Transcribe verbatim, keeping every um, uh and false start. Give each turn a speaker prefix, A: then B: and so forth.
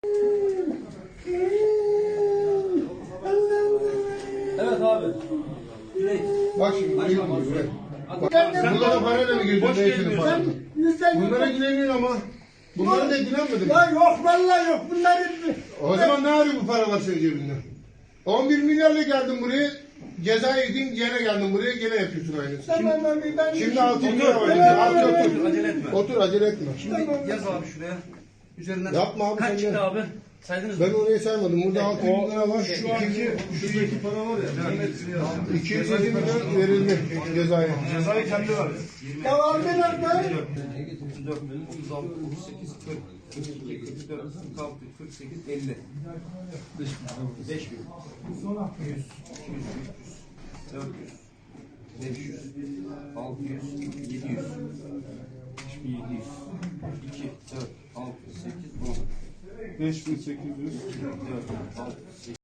A: Evet abi.
B: Bak şimdi buraya gidiyor buraya. Bak, burada da parayla mı girdin? Ne için parayla? Bunlara güveniyorsun ama. Bunlara da güvenmedin mi?
C: Ya yok vallahi yok. Bunları
B: O zaman ne arıyor bu paralar senin cebinde? on bir milyarla geldin buraya. Ceza yedin, gene geldin buraya, gene yapıyorsun aynısını.
C: tamam abi ben
B: Şimdi altı bin lira var. Altı otur.
A: Acele etme.
B: Otur, acele etme.
A: Şimdi yaz abi şuraya. Üzerinden
B: Yapma abi, sen
A: kaç çıktı
B: gel.
A: abi? Saydınız mı?
B: Ben oraya saymadım. Burada altı bin lira var.
A: Şu anki şuradaki para var ya.
B: iki yüz yedi milyon verildi cezaya.
A: Cezayı kendi verdi.
C: ya abi nerede?
A: dört bin, otuz altı, otuz sekiz, kırk, kırk iki, kırk dört, kırk altı, kırk sekiz, elli. beş bin. yüz, iki yüz, üç yüz, dört yüz, beş yüz, altı yüz, yedi yüz, yedi yüz, iki, dört, altı, sekiz, on.
D: beş bin sekiz yüz.
A: dört, altı, sekiz.